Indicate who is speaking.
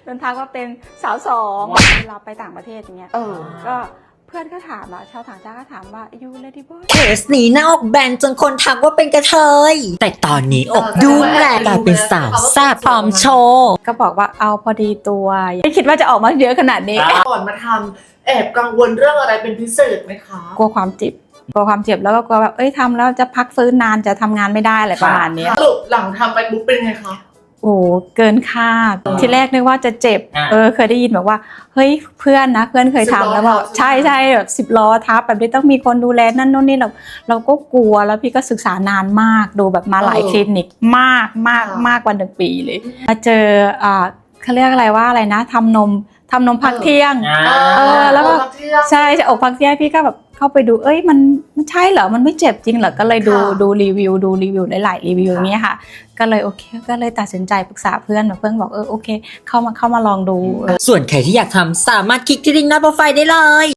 Speaker 1: นทักว่าเป็นสาวสองเวลาไปต่างประเทศอย่างเงี้ยก็เพื่อนก็ถามชาวต่างชาติก็ถามว่ายูเลดี้บอย
Speaker 2: เคสนี้หน้าอกแบนจนคนทักว่าเป็นกระเทยแต่ตอนนี้อกดุ้งแหละกลายเป็นสาวแซ่บพร้อมโชว์
Speaker 1: ก็บอกว่าเอาพอดีตัวไม่คิดว่าจะออกมาเยอะขนาดนี้
Speaker 3: ก่อนมาทำแอบกังวลเรื่องอะไรเป็นพิเศษไหมคะ
Speaker 1: กลัวความเจ็บแล้วก็กลัวแบบทำแล้วจะพักฟื้นนานจะทำงานไม่ได้อะไรประมาณนี้
Speaker 3: สรุปหลังทำไปปุ๊บเป็นไงคะ
Speaker 1: โอ้เกินคาดทีแรกนึกว่าจะเจ็บเคยได้ยินแบบว่าเฮ้ยเพื่อนเคยทำแล้วแบบใช่แบบ10 ล้อทับแบบนี้ต้องมีคนดูแลนั่นโน่นนี่เราก็กลัวแล้วพี่ก็ศึกษานานมากดูแบบมาหลายคลินิกมากกว่า1 ปีเลยมาเจอเขาเรียกอะไรนะทำนมพักเที่ยงแล้วก็ใช่อกพักเที่ยงพี่ก็แบบเข้าไปดูมันใช่เหรอมันไม่เจ็บจริงเหรอก็เลยดูรีวิวหลายรีวิวอย่างเงี้ยค่ะก็เลยโอเคก็เลยตัดสินใจปรึกษาเพื่อนเพื่อนบอกโอเคเข้ามาลองดู
Speaker 2: ส่วนใครที่อยากทำสามารถคลิกที่ลิงก์หน้าโปรไฟล์ได้เลย